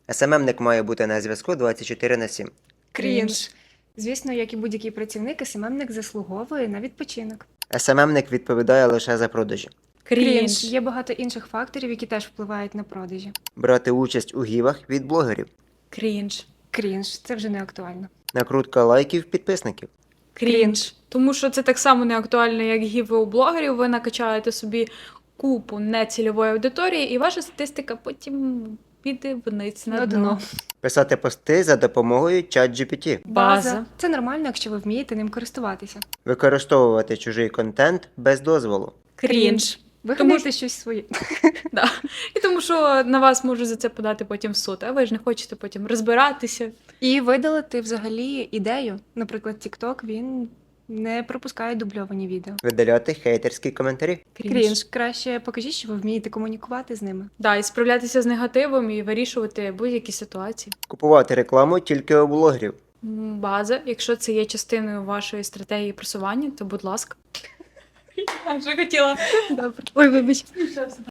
СММник має бути на зв'язку 24/7. Крінж. Звісно, як і будь-який працівник, СММник заслуговує на відпочинок. СММник відповідає лише за продажі. Крінж. Є багато інших факторів, які теж впливають на продажі. Брати участь у гівах від блогерів. Крінж. Крінж. Це вже не актуально. Накрутка лайків підписників. Крінж. Тому що це так само не актуально, як гіви у блогерів. Ви накачаєте собі купу нецільової аудиторії, і ваша статистика потім піде вниз на дно. Писати пости за допомогою ChatGPT. База. Це нормально, якщо ви вмієте ним користуватися. Використовувати чужий контент без дозволу. Крінж. Вигадайте щось своє. Да. І тому що на вас можуть за це подати потім в суд, а ви ж не хочете потім розбиратися. І видалити взагалі ідею. Наприклад, TikTok, він не пропускає дубльовані відео. Видаляти хейтерські коментарі. Крінж. Краще покажіть, що ви вмієте комунікувати з ними. Да, і справлятися з негативом і вирішувати будь-які ситуації. Купувати рекламу тільки у блогерів. База, якщо це є частиною вашої стратегії просування, то будь ласка. Я вже хотіла. Добре. Ой, вибач.